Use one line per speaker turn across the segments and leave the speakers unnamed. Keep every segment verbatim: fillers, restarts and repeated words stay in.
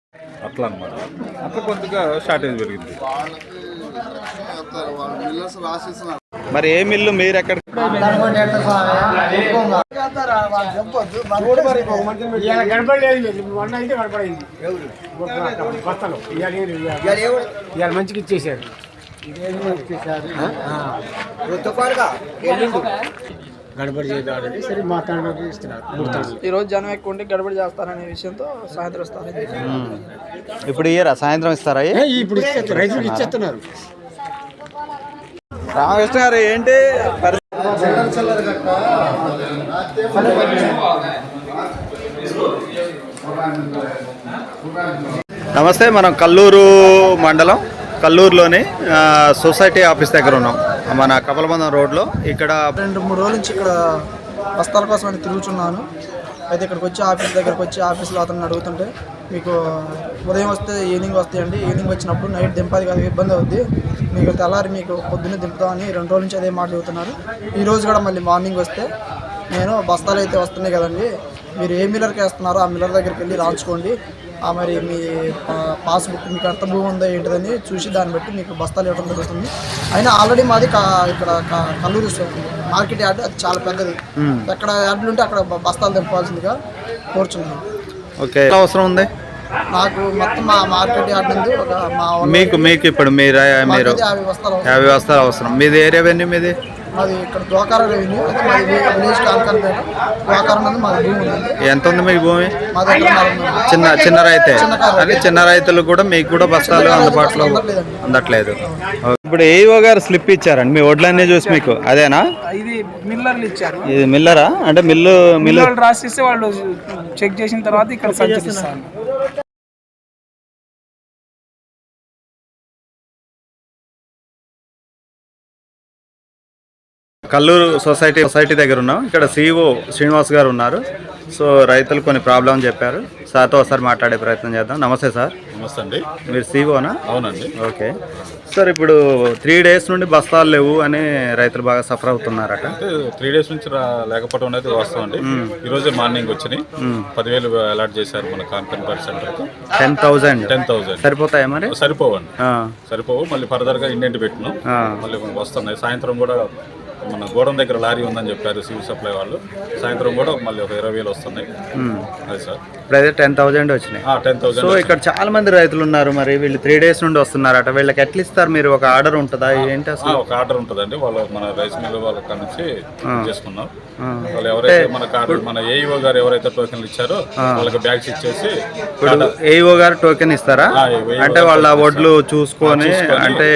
అట్లా అనమాట. అట్లా కొద్దిగా షార్టేజ్ పెరిగింది.
మరి ఏ మిల్లు మీరు ఎక్కడ
మంచిగా ఇచ్చేసారు. గడబడి చేయాలంటే సరే మాట్లాడడానికి ఇస్తున్నారు.
ఈ రోజు జనం ఎక్కువ ఉంటే గడబడి చేస్తారనే విషయంతో సాయంత్రం ఇస్తారు.
ఇప్పుడు ఇయ్యరా సాయంత్రం ఇస్తారా?
ఇప్పుడు రైతులకు ఇచ్చేస్తున్నారు.
రామకృష్ణ గారు ఏంటి నమస్తే. మనం కల్లూరు మండలం కల్లూరులోని సొసైటీ ఆఫీస్ దగ్గర ఉన్నాం, మన కపలబంధం రోడ్లో. ఇక్కడ
రెండు మూడు రోజుల నుంచి ఇక్కడ బస్తాల కోసం అని తిరుగుతున్నాను. అయితే ఇక్కడికి వచ్చి ఆఫీస్ దగ్గరకు వచ్చి ఆఫీస్లో అతను అడుగుతుంటే, మీకు ఉదయం వస్తే ఈవినింగ్ వస్తాయండి, ఈవినింగ్ వచ్చినప్పుడు నైట్ దింపాది కదా ఇబ్బంది అవుద్ది, మీకు తెల్లారి మీకు పొద్దున్నే దింపుతామని రెండు రోజుల నుంచి అదే మాట చెబుతున్నారు. ఈరోజు కూడా మళ్ళీ మార్నింగ్ వస్తే, నేను బస్తాలు అయితే వస్తున్నాయి కదండి, మీరు ఏ మిల్లర్కి వేస్తున్నారో ఆ మిల్లర్ దగ్గరికి వెళ్ళి రాయించుకోండి, మరి మీ పాస్బుక్ మీకు ఎంత భూమి ఉందో ఏంటిదని చూసి దాన్ని బట్టి మీకు బస్తాలు ఇవ్వడం జరుగుతుంది. అయినా ఆల్రెడీ మాది ఇక్కడ కల్లూరు మార్కెట్ యార్డ్, అది చాలా పెద్దది. ఎక్కడ యార్డులు ఉంటే అక్కడ బస్తాలు తెంపాల్సిందిగా కోరుచున్నాను.
ఓకే, అవసరం ఉంది
నాకు మొత్తం మా మార్కెట్ యార్డ్ నుండి ఒక మా
మీకు మీకు ఇప్పుడు మీరు మీరు
యాభై బస్తాలు
యాభై బస్తాలు అవసరం. మీది ఏరియా వెన్యూ మీది?
మాది ఇక్కడ ద్వాకార రెవెన్యూ, అయితే మాది విలేజ్ కాన్కర్పేట ద్వాకారం అనేది మాది భూమి ఉంది.
ఎంత ఉంది మీకు భూమి?
మాది
చిన్న చిన్న రైతే అని చిన్న రైతులు కూడా మీకు కూడా బస్తాలు అందుబాటులో అందట్లేదు. ఇప్పుడు ఏఓ గారు స్లిప్ ఇచ్చారండి మీ వడ్లన్నీ చూసి మీకు, అదేనా?
ఇది మిల్లర్లు ఇచ్చారు.
ఇది మిల్లరా? అంటే మిల్లు మిల్లు
రాసిస్తే వాళ్ళు చెక్ చేసిన తర్వాత ఇక్కడ సంచరిస్తారు.
కల్లూరు సొసైటీ సొసైటీ దగ్గర ఉన్నాం. ఇక్కడ సిఇఓ శ్రీనివాస్ గారు ఉన్నారు. సో రైతులు కొన్ని ప్రాబ్లం చెప్పారు, సార్తో ఒకసారి మాట్లాడే ప్రయత్నం చేద్దాం. నమస్తే సార్.
నమస్తే అండి.
మీరు సిఇఓనా?
అవునండి.
ఓకే సార్, ఇప్పుడు త్రీ డేస్ నుండి బస్తాలు లేవు అని రైతులు బాగా సఫర్ అవుతున్నారట.
అంటే త్రీ డేస్ నుంచి లేకపోవడం అనేది వాస్తవం అండి. ఈ రోజే మార్నింగ్ వచ్చినాయి, పదివేలు అలాట్ చేశారు మన conference centre.
Ten thousand
ten thousand
సరిపోతాయా మరి?
సరిపోవండి, సరిపోవు. మళ్ళీ ఫర్దర్ గా ఇండెంట్ పెట్టినాం, మళ్ళీ వస్తున్నాయి. సాయంత్రం కూడా మన గోడం దగ్గర లారీ ఉందని చెప్పారు సివిల్ సప్లై వాళ్ళు, సాయంత్రం కూడా మళ్ళీ ఒక ఇరవై వేలు వస్తున్నాయి. అది సార్
ఇప్పుడైతే టెన్ థౌసండ్ వచ్చినాయి.
Ten thousand.
సో ఇక్కడ చాలా మంది రైతులు ఉన్నారు, మరి వీళ్ళు త్రీ డేస్ నుండి వస్తున్నారట. వీళ్ళకి ఎట్లా ఇస్తారు మీరు? ఒక ఆర్డర్ ఉంటుందా ఏంటి అసలు?
ఒక ఆర్డర్ ఉంటుందండి, వాళ్ళు మన రైస్ మిల్ వాళ్ళ కాడ నుంచి చేసుకున్నాం. వాళ్ళు ఎవరైతే మన కార్డు మన ఏఈఓ గారు ఎవరైతే టోకెన్లు ఇచ్చారో వాళ్ళకి బ్యాగ్స్ ఇచ్చేసి.
ఇప్పుడు ఏఈఓ గారు టోకెన్ ఇస్తారా? అంటే వాళ్ళ వడ్లు చూసుకొని, అంటే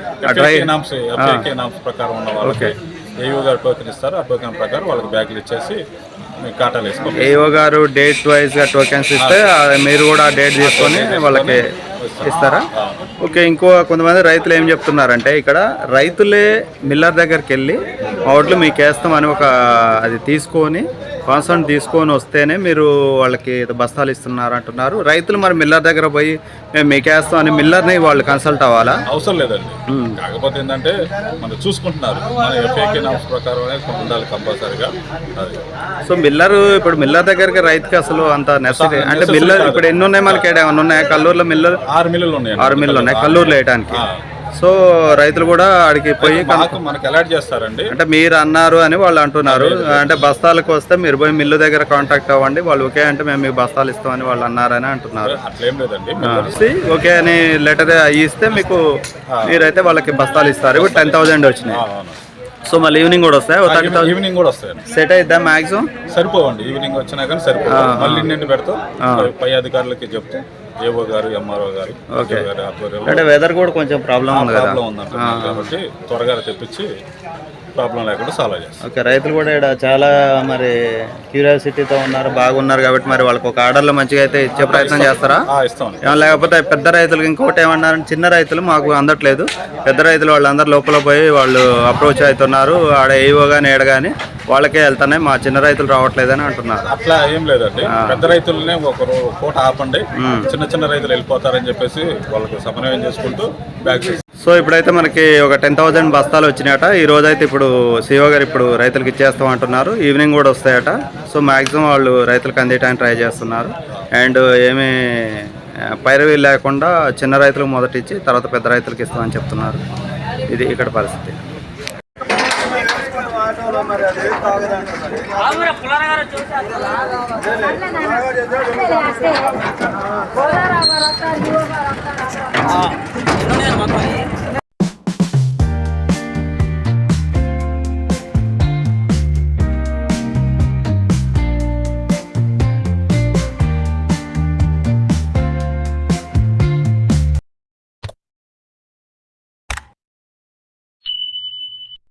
ప్రకారం ఉన్న వాళ్ళకి ఏఈఓ గారు టోకెన్ ఇస్తారు. ఆ టోకెన్ ప్రకారం వాళ్ళకి బ్యాగులు ఇచ్చేసి కాటాలు వేసుకోవాలి.
ఏఓ గారు డేట్ వైజ్ గా టోకెన్స్ ఇస్తే మీరు కూడా డేట్ తీసుకొని వాళ్ళకి ఇస్తారా? ఓకే. ఇంకో కొంతమంది రైతులు ఏం చెప్తున్నారంటే, ఇక్కడ రైతులే మిల్లర్ దగ్గరికి వెళ్ళి మా వడ్లు మీకు వేస్తామని ఒక అది తీసుకొని కాన్సర్న్ తీసుకొని వస్తేనే మీరు వాళ్ళకి బస్తాలు ఇస్తున్నారు అంటున్నారు. రైతులు మరి మిల్లర్ దగ్గర పోయి మేము మీకు వేస్తాం అని మిల్లర్ని వాళ్ళు కన్సల్ట్ అవ్వాలా?
అవసరం లేదండి. కాకపోతే ఏంటంటే మనం చూసుకుంటున్నారు, మన ఎఫ్ఏకే నామ్స్ ప్రకారం ఉండాలి కంపల్సరీగా.
సో మిల్లర్ ఇప్పుడు మిల్లర్ దగ్గరికి రైతుకి అసలు అంత నెసరీ అంటే మిల్లర్ ఇప్పుడు ఎన్ని ఉన్నాయి మనకి? ఏమైనా ఉన్నాయా కల్లూరులో? మిల్లర్
ఆరు మిల్లులు ఉన్నాయి.
ఆరు మిల్లులు ఉన్నాయి కల్లూరులో వేయడానికి. సో రైతులు కూడా అడిగి పోయి
మనకు అలర్ట్ చేస్తారండి.
అంటే మీరు అన్నారు అని వాళ్ళు అంటున్నారు. అంటే బస్తాలకు వస్తే మీరు పోయి మిల్లు దగ్గర కాంటాక్ట్ అవ్వండి, వాళ్ళు ఓకే అంటే మేము మీకు బస్తాలు ఇస్తామని వాళ్ళు అన్నారని అంటున్నారు.
అట్లేం లేదండి,
ఓకే అని లెటర్ ఇస్తే మీకు మీరైతే వాళ్ళకి బస్తాలు ఇస్తారు. ఇప్పుడు టెన్ థౌసండ్ వచ్చినాయి. సో మళ్ళీ ఈవినింగ్ కూడా వస్తాయి?
ఈవినింగ్ కూడా వస్తాయి.
సెట్ అయిద్దా మాక్సిమం?
సరిపోవండి, ఈవినింగ్ వచ్చినా కానీ సరిపోవు. మళ్ళీ నిండి పెడతాం, పై అధికారులకి చెప్తాం, ఏఓ గారు ఎంఆర్ఓ గారు.
ఓకే. అంటే వెదర్ కూడా కొంచెం ప్రాబ్లం ఉంది కదా,
ప్రాబ్లం ఉందంటున్నారు కాబట్టి త్వరగా తెప్పించి ప్రాబ్లం లేకుండా సాల్వ్ చేస్తాం.
ఓకే. రైతులు కూడా ఇక్కడ చాలా మరి క్యూరియాసిటీతో ఉన్నారు, బాగున్నారు కాబట్టి మరి వాళ్ళకి ఒక ఆర్డర్లో మంచిగా అయితే ఇచ్చే ప్రయత్నం చేస్తారా?
ఇస్తాం.
లేకపోతే పెద్ద రైతులకు ఇంకోటి ఏమన్నారంటే, చిన్న రైతులు మాకు అందట్లేదు, పెద్ద రైతులు వాళ్ళందరూ లోపల పోయి వాళ్ళు అప్రోచ్ అవుతున్నారు, ఆడ ఏవో కానీ ఏడ కానీ వాళ్ళకే వెళ్తానే, మా చిన్న రైతులు రావట్లేదని అంటున్నారు.
అట్లా ఏం లేదండి, పెద్ద రైతులనే ఒకరు పూట ఆపండి, చిన్న చిన్న రైతులు వెళ్ళిపోతారని చెప్పేసి వాళ్ళకి సమన్వయం చేసుకుంటూ బ్యాగ్స్.
సో ఇప్పుడైతే మనకి ఒక టెన్ థౌసండ్ బస్తాలు వచ్చినాయట ఈ రోజైతే. ఇప్పుడు సిఓ గారు ఇప్పుడు రైతులకు ఇచ్చేస్తాం అంటున్నారు, ఈవినింగ్ కూడా వస్తాయట. సో మ్యాక్సిమం వాళ్ళు రైతులకు అందేయడానికి ట్రై చేస్తున్నారు. అండ్ ఏమీ పైరవీ లేకుండా చిన్న రైతులకు మొదట ఇచ్చి తర్వాత పెద్ద రైతులకు ఇస్తామని చెప్తున్నారు. ఇది ఇక్కడ పరిస్థితి.
మొత్తం